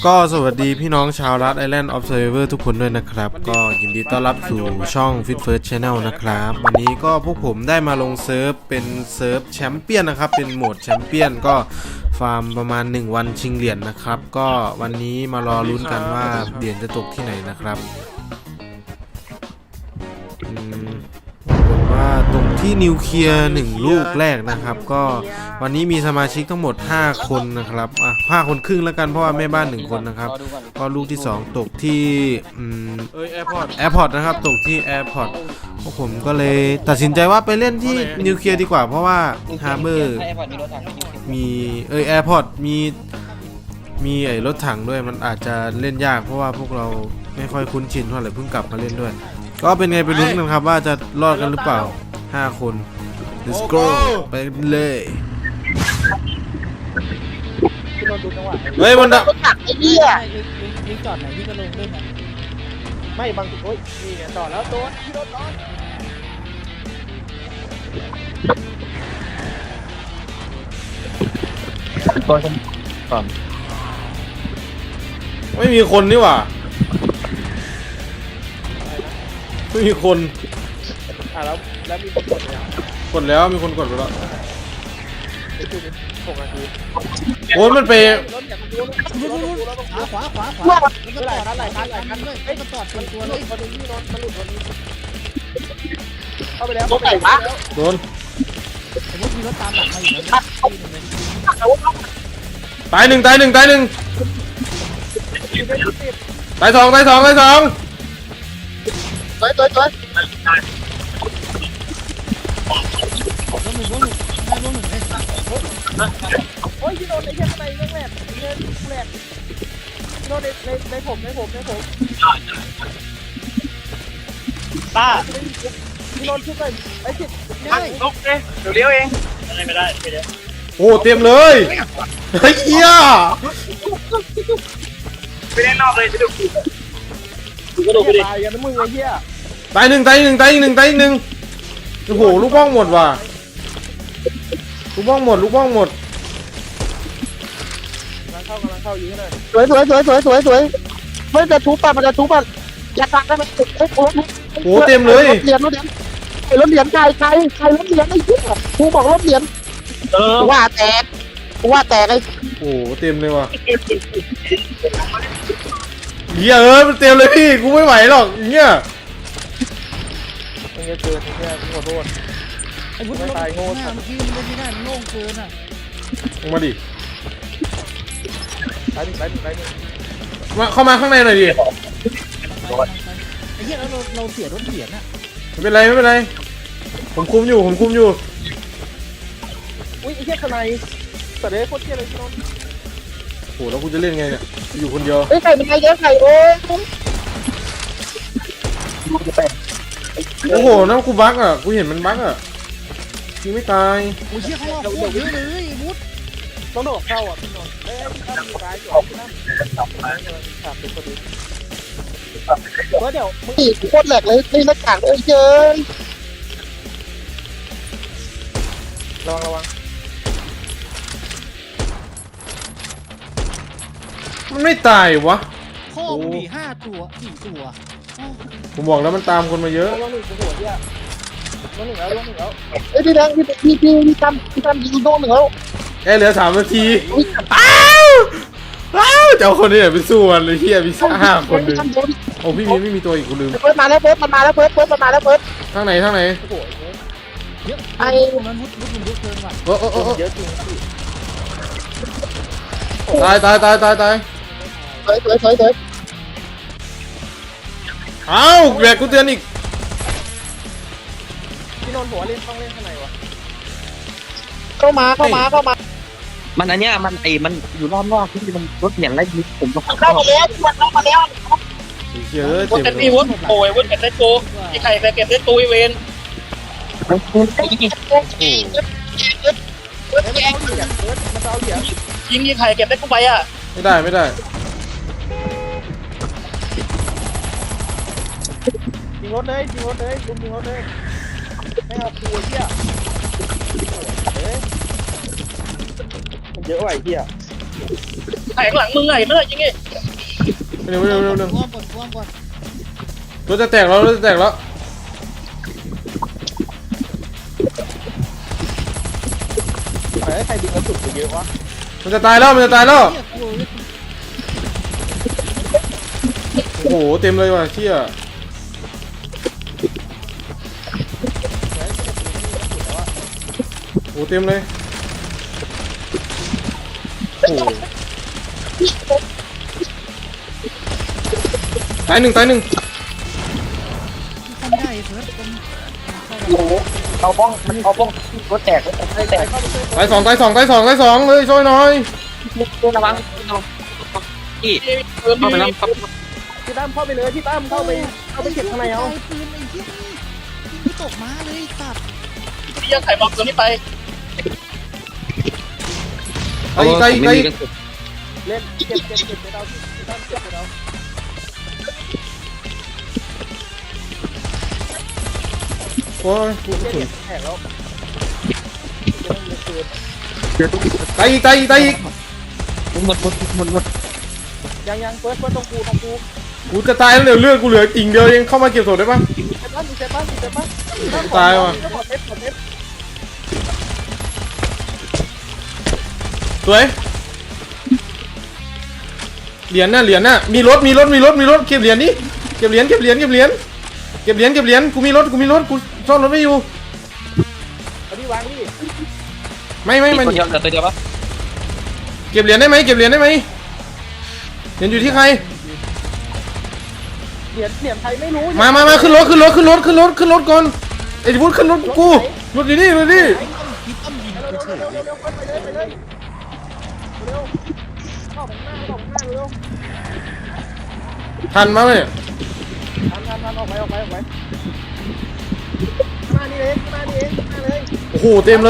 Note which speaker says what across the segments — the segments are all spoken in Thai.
Speaker 1: ก็สวัสดีพี่น้องชาวรัฐไอแลนด์ออฟเซอร์เวอร์ทุกคนด้วยนะครับก็ยินดีต้อนรับสู่ช่อง Fit First Channel นะครับวันนี้ก็พวกผมได้มาลงเซิร์ฟเป็นเซิร์ฟแชมเปี้ยนนะครับเป็นโหมดแชมเปี้ยนก็ฟาร์มประมาณ1วันชิงเหรียญนะครับก็วันนี้มารอลุ้นกันว่าเหรียญจะตกที่ไหนนะครับว่าตกที่นิวเคลียร์1ลูกแรกนะครับก็วันนี้มีสมาชิกทั้งหมด5คนนะครับ5คนครึ่งแล้วกันเพราะว่าแม่บ้าน1คนนะครับก็ลูกที่2ตกที่แอร์พอร์ตนะครับตกที่แอร์พอร์ตพวกผมก็เลยตัดสินใจว่าไปเล่นที่นิวเคลียร์ดีกว่าเพราะว่าฮาร์เบอร์มีแอร์พอร์ตมีไอ้รถถังด้วยมันอาจจะเล่นยากเพราะว่าพวกเราไม่ค่อยคุ้นชินเท่าไหร่เพิ่งกลับมาเล่นด้วยก็เป็นไงไปลุ้นกันครับว่าจะรอดกันหรือเปล่า5คน let's go ไปเลยเฮ้ยมัน
Speaker 2: ไอ้เหี้ย
Speaker 3: นี่จอดไหนพี่ก็ลงด้วยนะ
Speaker 2: ไม่บางจุดโอ้ยนี่ไงจอดแล้วโดนพี่รถร้อน
Speaker 1: ก่อนไม่มีคนนี่หว่าไม่มีคน
Speaker 2: แล้วมีคนกดไหม
Speaker 1: กดแล้วมีคนกดไปแล้ว
Speaker 2: ไปดูดิ6 นาที
Speaker 1: โอ้ยมันไป
Speaker 2: รถอย่างมันดูรถ
Speaker 3: ขวา
Speaker 2: หลายคัน
Speaker 3: ด้วยไอ้มันจอดเป็นตัวเลย
Speaker 2: พอดูนี่รถมันหลุดวันนี้เข้าไปแล้ว
Speaker 1: โดน
Speaker 3: สมมติมีรถตามหลังมาอยู่
Speaker 1: ตายหนึ่งตาย2
Speaker 2: โอ้ยพี่โดนในเชือกในเรื่องแรกพี่โดนในผมป้าพี่โดนชุดเลยไอ้จิต
Speaker 3: ได้
Speaker 2: ลุกเลยเดี๋ยวเลี้ยวเองไม่ได้
Speaker 1: โอ้เต็มเลยเฮ้ยเหี้ย
Speaker 2: ไปเล่นนอกเลยจะดูกระโดดไปดิตายกันนะมึงไอ้เหี้ย
Speaker 1: ตายหนึ่งโอ้โหลูกบ้องหมดว่ะลูกบ้องหมด
Speaker 2: กำลังเข้ายิงหน่อยสวยไม่จะทุบป่ะมันจะทุบป่ะอยากฟังได้ไหม
Speaker 1: โอ้เต็มเลย
Speaker 2: รถเหรียญใครรถเหรียญไอ้เหี้ยกูบอกรถเหรียญว่าแตกไอ้
Speaker 1: โอ้เต็มเลยว่ะเหี้ยมันเต็มเลยพี่กูไม่ไหวหรอกเงี้ย
Speaker 2: มันจะเกินแค่ขอโทษ
Speaker 3: ไอ้พุทธไม่ตายโง่เมื่อกี้มันไม่ได้โล่งเกินอ่ะ
Speaker 1: ลงมาดิ
Speaker 2: ไป
Speaker 1: มาเข้ามาข้างในหน่อยดิ
Speaker 3: ไอ้เหี้ยแล้วเราเสียรถเหรียญอ่ะ
Speaker 1: ไม่เป็นไรผมคุมอยู่
Speaker 2: อุ้ยไอ้เหี้ยข้างในแต่เด็กโคตรเหี้ยเลยพี่น้อง
Speaker 1: โหแล้วกูจะเล่นไงเนี่ยอยู่คนเดียว
Speaker 2: ไก่เป็นไงเยอะไก่โอ้
Speaker 1: โอ้โหน้ำกูบั๊กอ่ะกูเห็นมันบั๊กอ่ะยิงไม่ตาย
Speaker 3: โอ้ยเชี่ยเขาเอาโคตรเยอะเลยมุด
Speaker 2: ต้องโดดเข้าอ่ะพี่น้องถ้ามีร้ายอยู่ที่นั่นขาดเป็นพอดีเดี๋ยวมึงอีกโคตรแหลกเลยนี่หน้ากากเลยเจ้ยระวัง
Speaker 1: มันไม่ตายวะ
Speaker 3: พ่อมี5 ตัว4 ตัว
Speaker 1: ผมบอกแล้วมันตามคนมาเยอะ
Speaker 2: ลงหนึ่งแล้วเอ้ยพี่แดงพี่ทำยิงโดน1แล้ว
Speaker 1: เหลือ3 นาทีอ้าวเจ้าคนนี้ไปสู้มันเลยเฮียมี5 คนเลยโอ้พี่ไม่มีตัวอีกกูลืม
Speaker 2: เฟิร์สมาแล้วเฟิร์สมันมาแล้วเฟิร์ส
Speaker 1: ทางไหน
Speaker 3: เยอะไอ้มันมุดเยอะเกินว่ะ
Speaker 2: เยอะจริง
Speaker 1: ตายเอ้าแบกกูเตือนอีก
Speaker 2: พี่นนท์บอกว่าต้องเล่นข้างในวะเข้ามา
Speaker 4: มันอันเนี้ยมันอยู่รอบนอกที่มันรถเหยียบไล่ยิงผมก็
Speaker 2: เข้ามาแล้ว
Speaker 1: เยอะ
Speaker 4: วุ้นกันพี่วุ้นโอ้ยวุ้นเก็บได้โกไอ้ไข่เก็บได้โกอีเวน
Speaker 2: มันเอาเหรียญ
Speaker 4: ยิงไข่เก็บได้กูไปอ่ะ
Speaker 1: ไม่ได้
Speaker 2: ยิงรถเลยไม่เอาตัวเหี้ยมันเยอะว่ะไอ้เหี้ยแตกหลังมึงไงไม่ได้ยังไง
Speaker 1: เร็วเร็วเร็วเร็ว
Speaker 3: ท่วมก่อนท่วมก่อน
Speaker 1: รถจะแตกแล้วรถจะแตกแล้ว
Speaker 2: ใครดึงกระสุนไปเยอะวะ
Speaker 1: มันจะตายแล้วมันจะตายแล้ว
Speaker 3: เฮียกู
Speaker 1: โอ้โหเต็มเลยว่ะเชี่ยโอ้โหเต็มเลยโอ้โหตายหนึ่ง
Speaker 3: ทำได้เฟิร์สมันเข้ามา
Speaker 4: เอาบ้องมันเอาบ้องรถแตกรถแตก
Speaker 1: ตายสองเลยช่วยหน่อย
Speaker 4: ระวังพี่เข้าไปแล้ว
Speaker 2: พี่ตั้มเข้าไปเลยพี่ตั้มเข้าไปเก็บข้างในเอา
Speaker 3: ปืนไอ้เหี้ยนี่ยิงไม่ตกม้าเลยตัด
Speaker 2: พี่ยังไข่บอมตัวนี้ไป
Speaker 1: ตายอีกตายอีกตายอีก
Speaker 2: เล่นเก็บไปเราพี่ตั้มเก็บไปเรา
Speaker 1: โอ้ย
Speaker 2: แตกแล้ว
Speaker 1: ตายอีก
Speaker 4: หมด
Speaker 2: ยังเฟิร์สตรงกู
Speaker 1: กูจะตายแล้วเดี๋ยวเลือดกูเหลืออิ่งเดียวเองเข้ามาเก็บศพได้ปะ
Speaker 2: เซฟบ้าน
Speaker 1: ตายว่ะ สวยเหรียญน่ะมีรถเก็บเหรียญดิเก็บเหรียญกูมีรถกูซ่อนรถไม่อยู่
Speaker 2: เอาดิวางดิ
Speaker 1: ไม่มัน
Speaker 4: ตัวเดียวตัวเดียวปะ
Speaker 1: เก็บเหรียญได้ไหมเหรียญอยู่ที่ใคร
Speaker 2: เหรียญไทยไม่รู้
Speaker 1: มาขึ้นรถก่อนไอ้พุทธขึ้นรถกูรถอยู่นี่
Speaker 3: พี่ต้อมยิงกูเฉย
Speaker 2: เร็วไปเลยเร็วเข้าของหน้าเร็ว
Speaker 1: ทันมาไหมเนี่ย
Speaker 2: ทันออกไปมานี่เองมาเลย
Speaker 1: โอ้โหเต็มเลย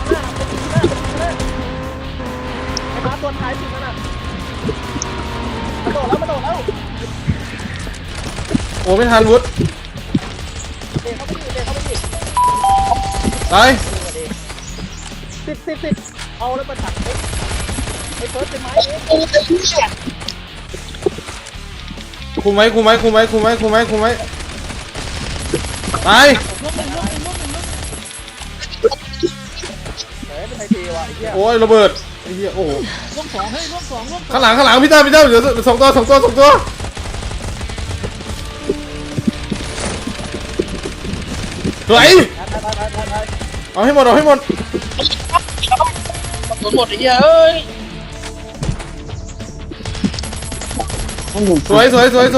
Speaker 2: ไอ้มาตัวท้ายสุดนั่นน่ะมาโดดแล้ว
Speaker 1: โอ้ไม่ทันวุฒิ
Speaker 2: เด็กเข้าไปดิ
Speaker 1: ตาย
Speaker 2: 10เอาแล้วมาถักไอ้เฟิร์สเป็นไม้เอง
Speaker 1: คุมไว้ตาย
Speaker 2: เป็นไทยเทว่ะไอ้เหี้ย
Speaker 1: โอ้ยระเบิดไอ้เหี้ยโอ้โห
Speaker 3: ร่วงสองเฮ้ยร่วงสอง
Speaker 1: ข้างหลังพี่ต้าเดี๋ยวสองตัวสวยเอาให้หมด
Speaker 2: หมดไอ้เหี้ยเอ้ย
Speaker 1: สวย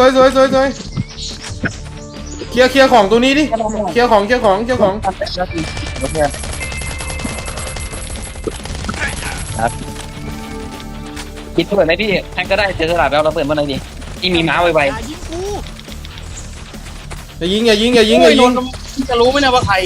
Speaker 1: เคลียร์ของตัวนี้ดิเคลียร์ของคิด
Speaker 4: เปิดไหมพี่แทงก็ได้เจอสลับแล้วเราเปิดเมื่อไหร่ดีที่มีม้าไว
Speaker 3: ยิงกู
Speaker 1: อย่ายิง
Speaker 2: จะรู้ไหมนะว่าใคร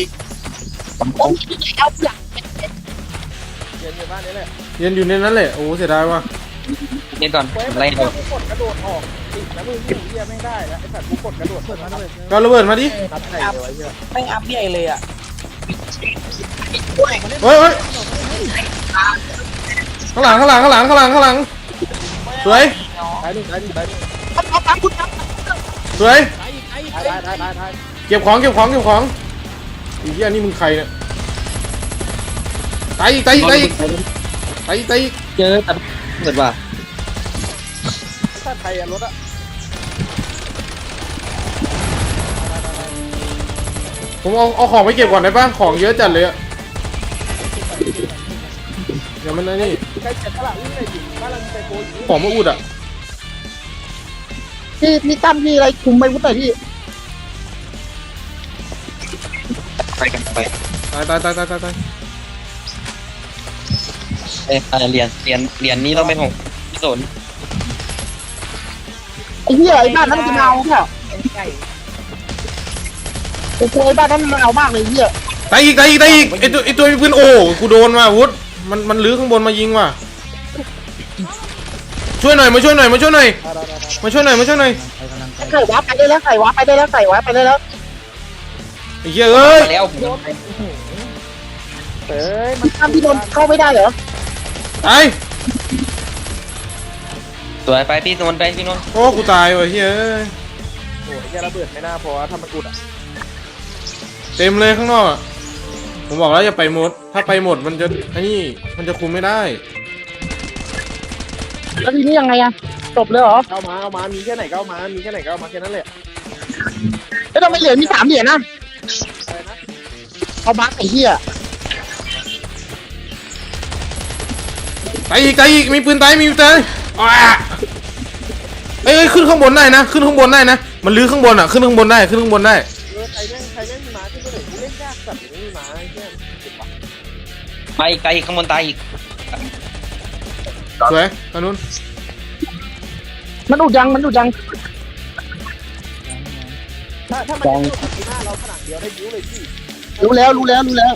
Speaker 1: เย็นอยู่ในนั้นแหละโอ้เสียดายว่ะ
Speaker 4: ๆเล่นก่อน
Speaker 2: เฟิร์ส
Speaker 4: ไล่
Speaker 2: กูกดกระโดดออกติดนะมึงเหี้ยไม่ได้แล้วไอ้สัตว์กูกดกระโดด
Speaker 3: เปิดมาเลย
Speaker 1: ก็ระเบิดมาดิ
Speaker 2: นัดไหนเลยวะเหี้ย
Speaker 5: ไม่อัพใหญ่เลยอ่ะ
Speaker 1: เฮ้ยข้างหลังสวย
Speaker 2: ตายหนึ่ง
Speaker 1: สวย
Speaker 3: ตายอีก
Speaker 2: ตาย
Speaker 1: เก็บของไอ้เหี้ยนี่มึงใครเนี่ยตายอีก
Speaker 4: เจอแต่เปิดว่า
Speaker 2: ถ้าไทยอะรถอะ
Speaker 1: ผมเอาของไปเก็บก่อนได้ป่ะของเยอะจัดเลยอะเดี๋ยวมันนี่
Speaker 2: ใครเจ็บตลาดวิ่งเลยอยู่บ้านเรามีไซโคอยู่
Speaker 1: ของมาอุดอ่ะ
Speaker 5: พี่ตั้มพี่อะไรคุมไปวุ้นหน่อยพี่
Speaker 4: ไปกันไป
Speaker 1: ตาย
Speaker 4: เหรียญนี้ต้องเป็นของพี่สน
Speaker 5: ไอ้เหี้ยไอ้บ้านนั้นมันจะเอาเปล่าโอ้โหไอ้บ้านนั้นมันเอามากเลยเหี้ย
Speaker 1: ตายอีกไอตัวมีปืนโอ้กูโดนมาวุฒมันลื้อข้างบนมายิงว่ะช่วยหน่อยมาช่วยหน่อย
Speaker 5: ใส่วาร์ปไปได้แล้วใส่วาร์ปไปได้แล้ว
Speaker 1: ไอ้เหี้ยเอ้ย
Speaker 4: แล้ว
Speaker 2: เอ้ย
Speaker 5: มันตั้มพี่โดนเข้าไม่ได้เหรอ
Speaker 1: ตาย
Speaker 4: สวยไปพี่นนท์ไปพี่นนท์
Speaker 1: โอ้กูตายว่ะเฮ้ย
Speaker 2: โอ้ยแกระเบิดไม่น่าพอถ้ามันอุดอ่ะ
Speaker 1: เต็มเลยข้างนอกอะผมบอกแล้วอย่าไปหมดถ้าไปหมดมันจะไอ้นี่มันจะคุมไม่ได้
Speaker 5: แล้วทีนี้ยังไงอะจบเลยเหรอ
Speaker 2: เอามามีแค่ไหนก็เอามามีแค่ไหนก็เอามาแค่นั้นแหละ
Speaker 5: แล้วทำไมเหรียญมี3เหรียญนะ
Speaker 2: อะไรนะ
Speaker 5: เอาบัคไอ้เหี้ย
Speaker 1: ตายอีกมีปืนตายมีปืนตายอ่ะเอ้ยขึ้นข้างบนได้นะขึ้นข้างบนได้นะมันลื้อข้างบนอ่ะขึ้นข้างบนได้ขึ้นข้างบนได้
Speaker 2: ใครแม่งมีหมาขึ้นไปเลยกูเล่นยากสัตว์ไม่มีหมาไอ้เหี้ยเจ็บปะ
Speaker 4: ไปไกลข้างบนตายอีก
Speaker 1: สวยตอนนู้น
Speaker 5: มันอุดยัง
Speaker 2: ถ้ามันจะอุดที่หน้าเราขนาดเดียวได้บิ้วเลยพี่
Speaker 5: รู้แล้ว
Speaker 3: กู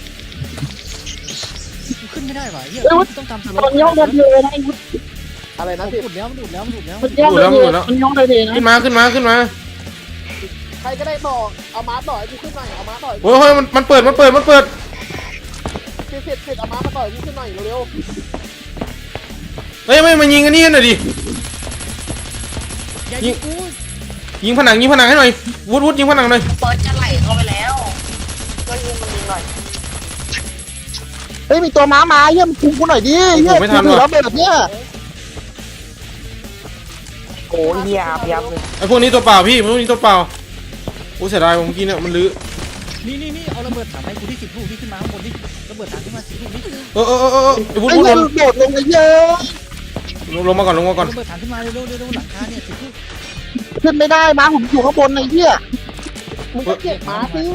Speaker 3: ขึ้นไม่ได้ว่ะเฮียต้องตามสโล
Speaker 5: ตอนนี้ห้องเดินเลยนะไอ้วุฒิ
Speaker 2: อะไรนะ
Speaker 3: มัน
Speaker 2: พี่
Speaker 3: อุดแล้วมันอุดแล้วมันอุดแล้ว
Speaker 5: มันห้องเดินเลยมันห้องเดินเลยนะ
Speaker 1: ขึ้นมา
Speaker 2: ใครก็ได้บอกเอามาต่อยกูขึ้นหน่อยเอามาต่อย
Speaker 1: โอ้ยมันเปิด
Speaker 2: เสร็จเอามาต่อยกูขึ้นหน่อยเร็ว
Speaker 1: เฮ้ยไม่มายิงอันนี้หน่อยดิ
Speaker 3: อย่ายิงกู
Speaker 1: ยิงผนังให้หน่อยวุฒิยิงผนังหน่อย
Speaker 5: เปิดจะไหลเข้าไปแล้วเฮ้ยมีตัวม้ามาเยี่ยมคุมกูหน่อยดิเยี่ยมกูแล้วแบบเนี้ยโอ้ยเหี้ยยับเลย
Speaker 1: ไอ้พวกนี้ตัวเปล่าพี่พวกนี้ตัวเปล่าโอ้เสียดายผมกินเนี่ยมันลื้อ
Speaker 3: นี่เอาระเบิดถังให้กูที่10 ลูกที่ขึ้นมาข้างบนนี่ระเบิดถังขึ้นมา10 ลูกนี่
Speaker 1: ไอ้วุฒิ
Speaker 5: ไอ้เหี้ยโดดลงไปเยอะ
Speaker 1: ลงมาก่อน
Speaker 3: ระเบิดถังขึ้นมาเร็วหลังคาเนี่ย10 ลูก
Speaker 5: ขึ้นไม่ได้ม้าผมอยู่ข้างบนไอ้เหี้ย
Speaker 2: มึงก็เก็บมาสิ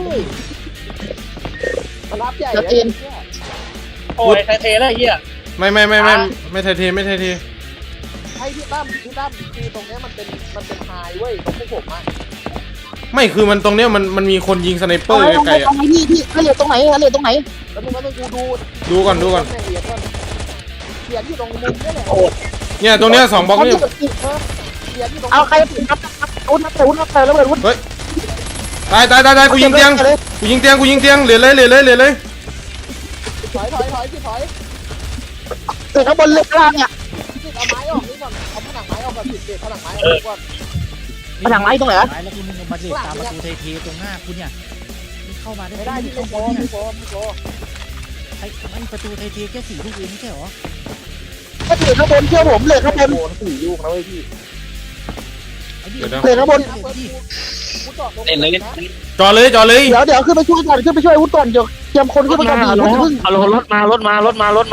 Speaker 2: มันรับใหญ่
Speaker 5: โอ้ยไทเทแล้วเหี้ย
Speaker 1: ไม่ไทยเท
Speaker 2: ให้พี่ตั้มคือตรงนี้มันเป็นไฮเว้ยตรงพวกผมอ่ะ
Speaker 1: ไม่คือมันตรงเนี้ยมันมีคนยิงสไนเปอร์ไกลๆ
Speaker 5: ตรงไหนพี่เหรียญตรงไหนเหรียญตรงไหน
Speaker 2: แล้วมึงก็ต้องกูดู
Speaker 1: ดูก่อน
Speaker 2: เหรียญอยู่ตรงมุมนี่แหละ
Speaker 1: เนี่ยตรงเนี้ย2 บล็อกนี่
Speaker 2: เหรียญอยู่ตรง
Speaker 5: เอาใครครับอุ้นแล้วเลยอุ้น
Speaker 1: ตายกูยิงเตียงเหลือเลย
Speaker 2: ถอย
Speaker 5: ติดข้างบนเล็กล่างเนี่ย
Speaker 2: เอาไม้ออกนี่ก่อนเอาผนังไม้ออกก่อนติดผนังไม้ออกก่อน
Speaker 5: ผนังไม้ตรงไหน
Speaker 3: แล้วกูมึงมาเด็ดตามประตูเทตรงหน้ากูเนี่ยนี่เข้ามาได้
Speaker 2: ไม่ได้ที่
Speaker 3: ข้างบ
Speaker 2: ไม่
Speaker 3: น
Speaker 2: พอ
Speaker 3: เนี่ย
Speaker 2: ไม่พอ
Speaker 3: ไอ้ประตูเทแค่4 ลูกเองไม่ใช่หรอ
Speaker 5: ก็ถือข้างบนเชื่อผมเลยข้างบน
Speaker 2: โดน4 ลูกนะเว้ยพี่
Speaker 5: เลยข้างบน
Speaker 2: กูจอดตรง
Speaker 4: เล่นเลย
Speaker 1: จอเลย
Speaker 5: เดี๋ยวขึ้นไปช่วยก่อนขึ้นไปช่วยอุ้นก่อนเดี๋ยวเตรียมคนขึ้นไปก่อนดิพึ่ง
Speaker 4: เอารถมา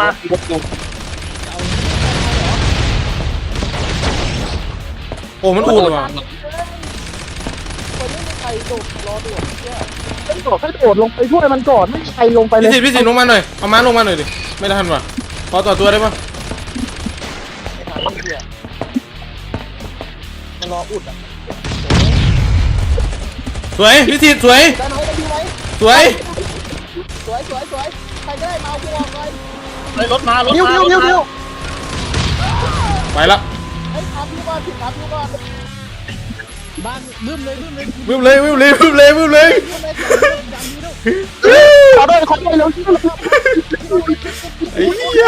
Speaker 1: โอ้มันอูดว่ะ
Speaker 2: คนไม่มีใครโดดรอด่วนเชื่อ
Speaker 5: ให้โดดลงไปช่วยมันก่อนไม่มีใครลงไปเลย
Speaker 1: พี่สิลงมาหน่อยเอาม้าลงมาหน่อยดิไม่ทันว่ะขอต่อตัวได้ปะ
Speaker 2: ไม่ทันเชื่อมันรออุดอ่ะ
Speaker 1: สวยพี่สิสวย
Speaker 2: ได้ไหมได้ดีไหม
Speaker 1: สวย
Speaker 2: ใครก็ได้มาเอาพวงเลย
Speaker 5: นิ้ว
Speaker 1: ไปละ
Speaker 2: ไอ้ทำพี่ก่อน
Speaker 3: บ้านบึ้มเลย
Speaker 1: วิ่งเลย
Speaker 5: ขอด้วยเร็ว
Speaker 1: ไอ้เหี้ย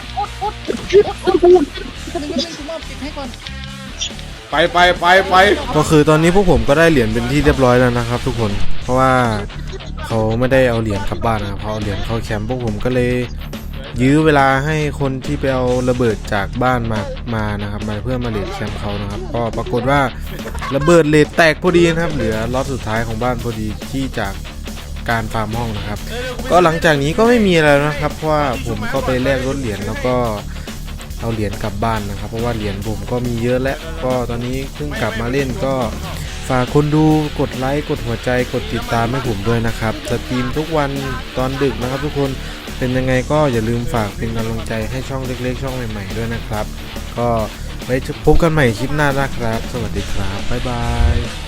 Speaker 3: กูมอบปิดให้ก่อน
Speaker 1: ไปก็คือตอนนี้พวกผมก็ได้เหรียญเป็นที่เรียบร้อยแล้วนะครับ ทุกคนเพราะว่าเขาไม่ได้เอาเหรียญกลับบ้านนะครับเขาเอาเหรียญเข้าแคมป์พวกผมก็เลยยื้อเวลาให้คนที่ไปเอาระเบิดจากบ้านมานะครับมาเพื่อมาเลทแคมป์เขานะครับก็ปรากฏว่าระเบิดเลทแตกพอดีนะครับเหลือล็อตสุดท้ายของบ้านพอดีที่จากการฟาร์มห้องนะครับก็หลังจากนี้ก็ไม่มีอะไรแล้วนะครับเพราะว่าผมก็ไปแลกรถเหรียญแล้วก็เอาเหรียญกลับบ้านนะครับเพราะว่าเหรียญผมก็มีเยอะแล้วก็ตอนนี้เพิ่งกลับมาเล่นก็ฝากคนดูกดไลค์กดหัวใจกดติดตามให้ผมด้วยนะครับสตรีมทุกวันตอนดึกนะครับทุกคนเป็นยังไงก็อย่าลืมฝากเป็นกำลังใจให้ช่องเล็กๆช่องใหม่ๆด้วยนะครับก็ไว้พบกันใหม่คลิปหน้านะครับสวัสดีครับบ๊ายบาย